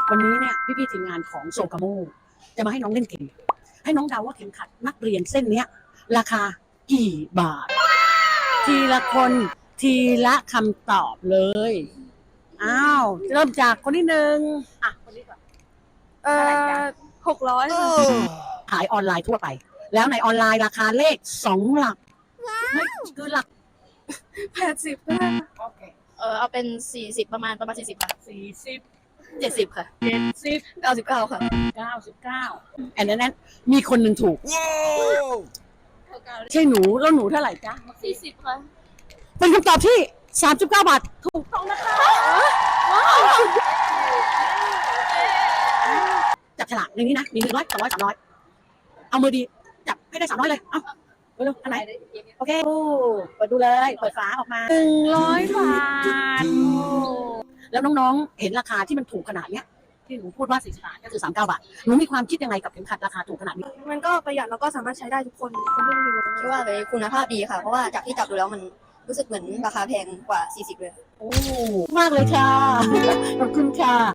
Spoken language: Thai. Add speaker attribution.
Speaker 1: วันนี้เนี่ยพี่ๆทีมงานของโซกาโมจะมาให้น้องเล่นเกมให้น้องเดาว่าเข็มขัดนักเรียนเส้นเนี้ยราคากี่บาท ทีละคนทีละคำตอบเลยอ้าวเริ่มจากคนที่หนึ่งอ่ะคนนี้ก่อน
Speaker 2: 600ค่ะ
Speaker 1: ขายออนไลน์ทั่วไป แล้วในออนไลน์ราคาเลข2 หลักไม่คือหลัก
Speaker 2: 80ได้
Speaker 1: โอเค
Speaker 3: เอาเป็น40ประมาณ40ค่ะ
Speaker 1: 40
Speaker 3: 70ค่ะ
Speaker 1: 70
Speaker 3: 99ค่ะ
Speaker 1: 99อันนั้นมีคนหนึ่งถูกใช่หนูแล้วหนูเท่าไหร่จ๊ะ
Speaker 3: 40ค่ะ
Speaker 1: เป็นคำตอบที่39 บาทถูกต้องนะคะจับฉลากในนี้นะมี100 200 300เอามือดีจับให้ได้300เลยเอาเร็วๆอันไหนโอเคเปิดดูเลยเปิดฝาออกมา100 บาทแล้วน้องๆเห็นราคาที่มันถูกขนาดเนี้ยที่หนูพูดว่า40 บาทก็คือ39 บาทหนูมีความคิดยังไงกับเข็มขัดราคาถูกขนาดนี้
Speaker 2: มันก็ประหยัดแล้วก็สามารถใช้ได้ทุกคนที่ไม่มีรถ
Speaker 3: คิดว่าเลยคุณภาพดีค่ะ เพราะว่าจากที่จับดูแล้วมันรู้สึกเหมือนราคาแพงกว่า40เลย
Speaker 1: โอ้มากเลยค่ะ ขอบคุณค่ะ